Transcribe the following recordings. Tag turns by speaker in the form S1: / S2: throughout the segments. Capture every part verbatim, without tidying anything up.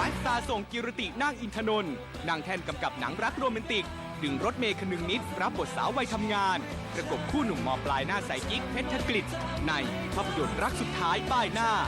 S1: สตาร์ส่งกิรตินาคอินทนนท์นางแท่นกำกับหนังรักโรแมนติกดึงรถเมย์คนึงนิดรับบทสาววัยทำงานประกบคู่หนุ่มมอปลายหน้าใสกิ๊กเพชรกฤษในภาพยนตร์รักสุดท้ายป้ายหน้า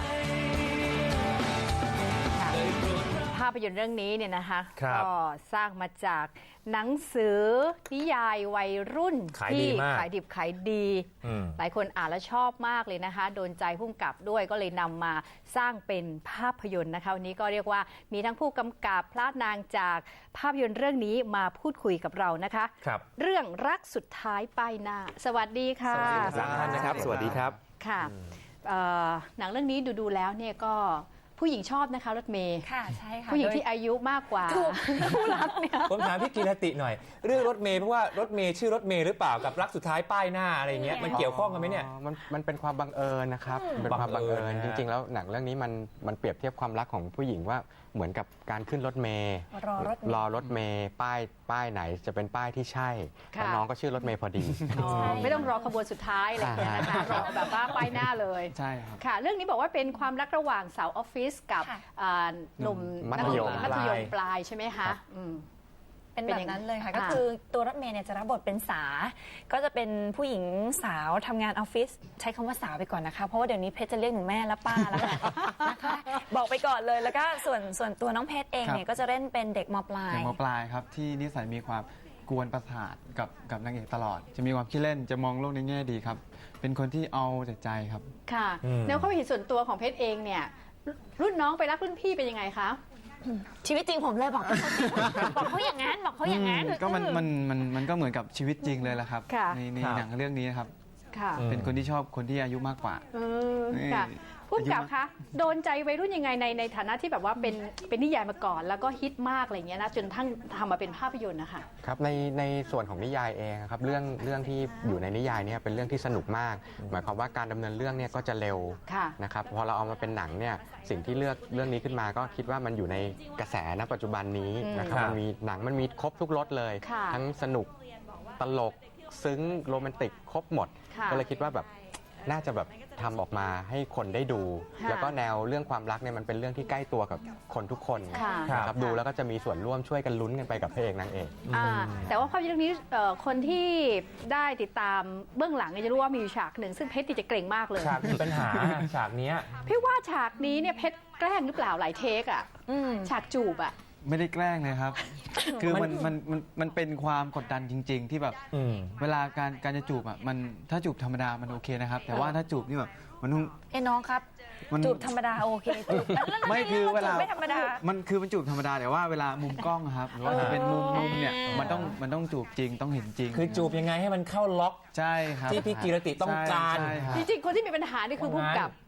S2: ภาพยนตร์เรื่องนี้เนี่ยนะคะ
S3: ก็
S2: สร้างมาจากหนังสือนิยายวัยรุ่นที่ขายดิบขายดีหลายคนอ่านแล้วชอบมากเลยนะคะโดนใจผู้กำกับด้วยก็เลยนำมาสร้างเป็นภาพยนตร์นะคะวันนี้ก็เรียกว่ามีทั้งผู้กำกับพระนางจากภาพยนตร์เรื่องนี้มาพูดคุยกับเรานะคะเรื่องรักสุดท้ายป้ายหน้าสวัสดีค่ะ
S3: สวัสดีทั้งท่านนะครับสวัสดีครับ
S2: ค่ะหนังเรื่องนี้ดูดูแล้วเนี่ยก็ผู้หญิงชอบนะคะรถเมย์
S4: ค่ะใช่ค่ะ
S2: ผู้หญิงที่อายุมากกว่าผู้รักเนี่ย
S3: ผมถามพี่กีรติหน่อยเรื่องรถเมย์เพราะว่ารถเมย์ชื่อรถเมย์หรือเปล่ากับรักสุดท้ายป้ายหน้าอะไรเงี้ยมันเกี่ยวข้องกันไหมเนี่ย
S5: มันมันเป็นความบังเอิญนะครับเป็นความบังเอิญจริงๆแล้วหนังเรื่องนี้มันมันเปรียบเทียบความรักของผู้หญิงว่าเหมือนกับการขึ้นรถเมย์
S4: รอรถ
S5: รอรถเมย์ป้ายป้ายไหนจะเป็นป้ายที่ใช่แล้วน้องก็ชื่อรถเมย์พอดี
S2: ไม่ต้องรอขบวนสุดท้ายอะไรอย่างเงี้ยนะคะรอแบบว่าป้ายหน้าเลย
S5: ใช่ครับ
S2: ค่ะเรื่องนี้บอกว่าเป็นความรักระหว่างสาวออฟฟิศกับหนุ่ม
S5: มัธยม
S2: มัธยมปลายใช่ไหมคะ
S4: เป็นแบบนั้นเลยค่ะก็คือตัวรถเมย์เนี่ยจะรับบทเป็นสาก็จะเป็นผู้หญิงสาวทำงานออฟฟิศใช้คำว่าสาวไปก่อนนะคะเพราะว่าเดี๋ยวนี้เพชรจะเรียกหนูแม่และป้าแล้วนะคะบอกไปก่อนเลยแล้วก็ส่วนส่วนตัวน้องเพชรเองเนี่ยก็จะเล่นเป็นเด็กมปลาย
S6: เด็กมปลายครับที่นิสัยมีความกวนประสาทกับกับนางเอกตลอดจะมีความขี้เล่นจะมองโลกในแง่ดีครับเป็นคนที่เอาแต่ใจครับ
S2: ค่ะแล้วความเห็นส่วนตัวของเพชรเองเนี่ยรุ่นน้องไปรักรุ่นพี่เป็นยังไงคะ
S4: ชีวิตจริงผมเลยบอกบอกเขาอย่างนั้นบอกเขาอย่างนั้น
S6: ก็มันมันมันมันก็เหมือนกับชีวิตจริงเลยแหละครับในในหนังเรื่องนี้นะครับเป็นคนที่ชอบคนที่อายุมากกว่า
S2: ผู้กำกับคะโดนใจวัยรุ่นยังไงในในฐานะที่แบบว่าเป็นเป็นนิยายมาก่อนแล้วก็ฮิตมากอะไรเงี้ยนะจนทั้งทำมาเป็นภาพยนตร์นะคะ
S5: ครับในในส่วนของนิยายเองครับเรื่องเรื่องที่อยู่ในนิยายเนี่ยเป็นเรื่องที่สนุกมากหมายความว่าการดำเนินเรื่องเนี่ยก็จะเร็วนะครับพอเราเอามาเป็นหนังเนี่ยสิ่งที่เลือกเรื่องนี้ขึ้นมาก็คิดว่ามันอยู่ในกระแสณปัจจุบันนี้นะครับมันมีหนังมันมีครบทุกรสเลยทั้งสนุกตลกซึ้งโรแมนติกครบหมดก็เลยคิดว่าแบบน่าจะแบบทำออกมาให้คนได้ดูแล้วก็แนวเรื่องความรักเนี่ยมันเป็นเรื่องที่ใกล้ตัวกับคนทุกคนนะครับดูแล้วก็จะมีส่วนร่วมช่วยกันลุ้นกันไปกับพระเอกนางเอก
S2: แต่ว่าภาพยนตร์เรื่องนี้คนที่ได้ติดตามเบื้องหลังจะรู้ว่ามีฉากหนึ่งซึ่งเพชรจะเกรงมากเลย
S3: ฉากมีปัญหาฉากนี้
S2: พี่ว่าฉากนี้เนี่ยเพชรแกล้งหรือเปล่าหลายเทคอ่ะฉากจูบอ่ะ
S6: ไม่ได้แกล้งเลยครับคือมันมันมันมันเป็นความกดดันจริงๆที่แบบเวลาการการจะจูบอ่ะมันถ้าจูบธรรมดามันโอเคนะครับแต่ว่าถ้าจูบนี่แบบมันต้อง
S4: เอ้น้องครับจูบธรรมดาโอเคจูบ
S6: ไม่คือเวลา
S4: ไม่ธรรมดา
S6: มันคือมันจูบธรรมดาแต่ว่าเวลามุมกล้องครับหรือว่าจะเป็นมุมมุมเนี่ยมันต้องมันต้องจูบจริงต้องเห็นจริง
S3: คือจูบยังไงให้มันเข้าล็อก
S6: ใช่ครับ
S3: ที่พี่กีรติต้องการ
S2: จริงๆคนที่มีปัญหานี่คือผู้กำกับ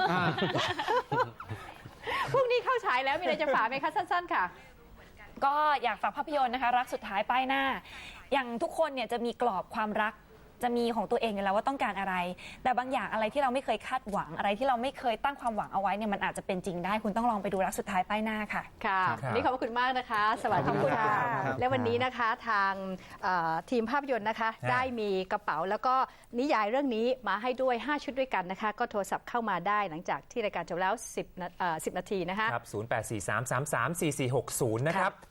S2: พรุ่งนี้เข้าฉายแล้วมีอะไรจะฝากไหมคะสั้นๆค่ะ
S4: ก็อยากฝากภาพยนตร์นะคะรักสุดท้ายป้ายหน้าอย่างทุกคนเนี่ยจะมีกรอบความรักจะมีของตัวเองอยู่แล้วว่าต้องการอะไรแต่บางอย่างอะไรที่เราไม่เคยคาดหวังอะไรที่เราไม่เคยตั้งความหวังเอาไว้เนี่ยมันอาจจะเป็นจริงได้คุณต้องลองไปดูรักสุดท้ายป้ายหน้าค่ะ
S2: ค่ะวันนี้ขอบคุณมากนะคะสวัสดีค่ะและวันนี้นะคะทางทีมภาพยนตร์นะคะได้มีกระเป๋าแล้วก็นิยายเรื่องนี้มาให้ด้วยห้าชุดด้วยกันนะคะก็โทรศัพท์เข้ามาได้หลังจากที่รายการจบแล้วสิบนาทีนะคะ
S3: ครับศูนย์ แปด สี่ สาม สาม สาม สี่ สี่ หก ศูนย์นะครับ